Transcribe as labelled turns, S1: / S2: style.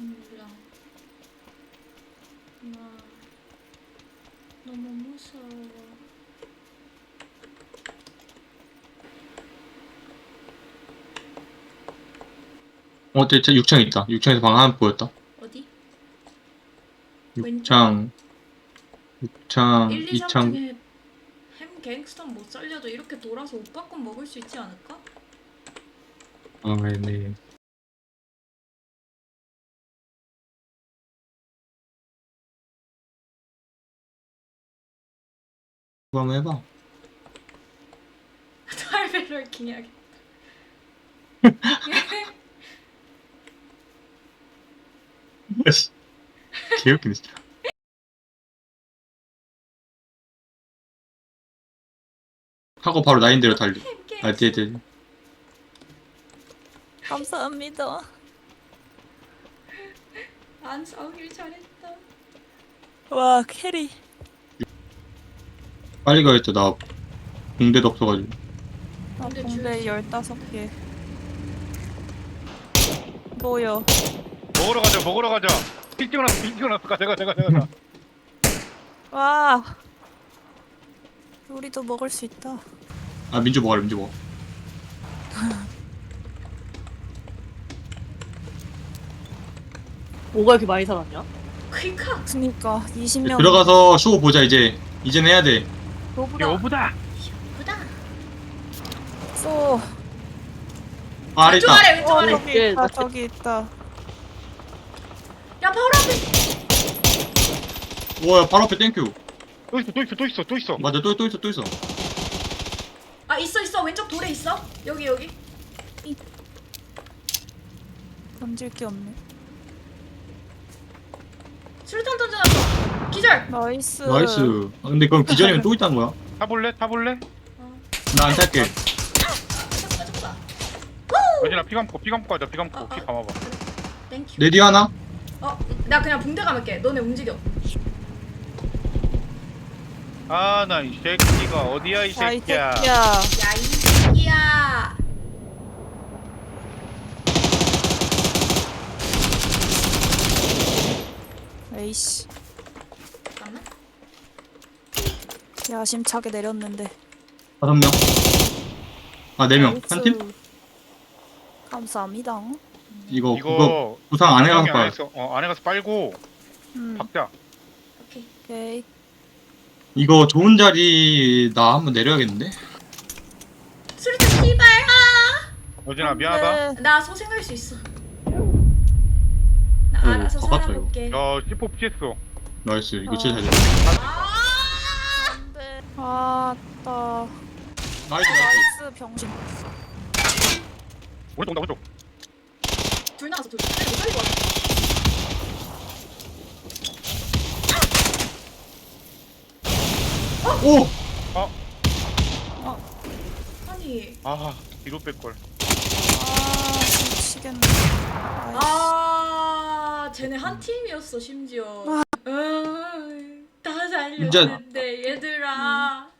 S1: 몰라. 나 너무 무서워.
S2: 진짜 6창 있다. 6창에서 방 하나 보였다.
S1: 어디?
S2: 6창, 6창,
S1: 1, 2, 3
S2: 2창.
S1: 중에 햄 갱스터 못 살려도 이렇게 돌아서 오빠 건 먹을 수 있지 않을까?
S2: 아, 네. 그거 한번 해봐.
S1: 탈베럴킹 해야겠다.
S2: 개웃기네, 진짜. 하고 바로 나인대로 달려. 아, 네.
S3: 감사합니다.
S1: 안 싸우길 잘했다.
S3: 와 캐리.
S2: 빨리 가야겠다. 나 공대도 없어가지고.
S3: 나
S1: 근데
S3: 공대 15개. 뭐요?
S4: 먹으러 가자. 피 찍어놨어. 가자.
S3: 와. 우리도 먹을 수 있다.
S2: 아, 민주 먹어라, 민주 먹어.
S5: 뭐가 이렇게 많이 살았냐?
S1: 그니까
S3: 그니까 20명.
S2: 들어가서 쇼 보자, 이제. 이제는 해야 돼.
S3: 로브다.
S4: 여보다.
S1: 예쁘다.
S3: 쏘.
S2: 아, 아래
S1: 왼쪽
S2: 있다.
S1: 아래 왼쪽 아래.
S3: 저기 있다. 저기 있다.
S1: 야 바로 앞에.
S2: 우와, 바로 앞에 땡큐.
S4: 또 있어.
S2: 맞아, 또 있어.
S1: 아 있어 왼쪽 돌에 있어. 여기.
S3: 던질 게 없네.
S1: 수류탄 던져놨어. 기절.
S3: 나이스.
S2: 나이스. 아, 근데 그럼 기절이면 또 있다는 거야?
S4: 타볼래?
S2: 나 안 탈게.
S1: 잡아.
S4: 여진아 피 감고 가자. 피 감고 피 감아봐.
S1: 땡큐.
S2: 내 뒤에 하나?
S1: 나 그냥 붕대 감을게. 너네 움직여.
S4: 아 나 이 새끼가 어디야 이
S3: 야, 이
S4: 새끼야.
S3: 새끼야.
S1: 야 이 새끼야.
S3: 에이씨.
S1: 잠깐만.
S3: 야심차게 내렸는데.
S2: 5명. 아, 4명. 한 팀?
S3: 나이스. 감사합니다.
S2: 이거, 그거
S4: 이거
S2: 부상 안 해가서
S4: 안에 가서 빨고 박자.
S1: 오케이.
S3: 오케이.
S2: 이거 좋은 자리 나 한번 내려야겠는데?
S1: 수류탄 씨발.
S4: 여진아 미안하다.
S3: 네.
S1: 나 소생할 수 있어. 나
S2: 오,
S1: 알아서
S2: 바빴다,
S1: 살아볼게.
S4: 야 C4 피했어.
S2: 나이스. 이거 진짜 잘
S1: 아!
S3: 안돼. 아따.
S2: 나이스.
S3: 나이스 병신.
S4: 오른쪽.
S1: 둘 나가서 둘. 못 살리고 왔어.
S2: 오!
S1: 아니.
S4: 아 뒤로 뺄걸.
S3: 아 미치겠네. 아이씨.
S1: 아, 쟤네 한 팀이었어 심지어. 다 살렸는데 얘들아.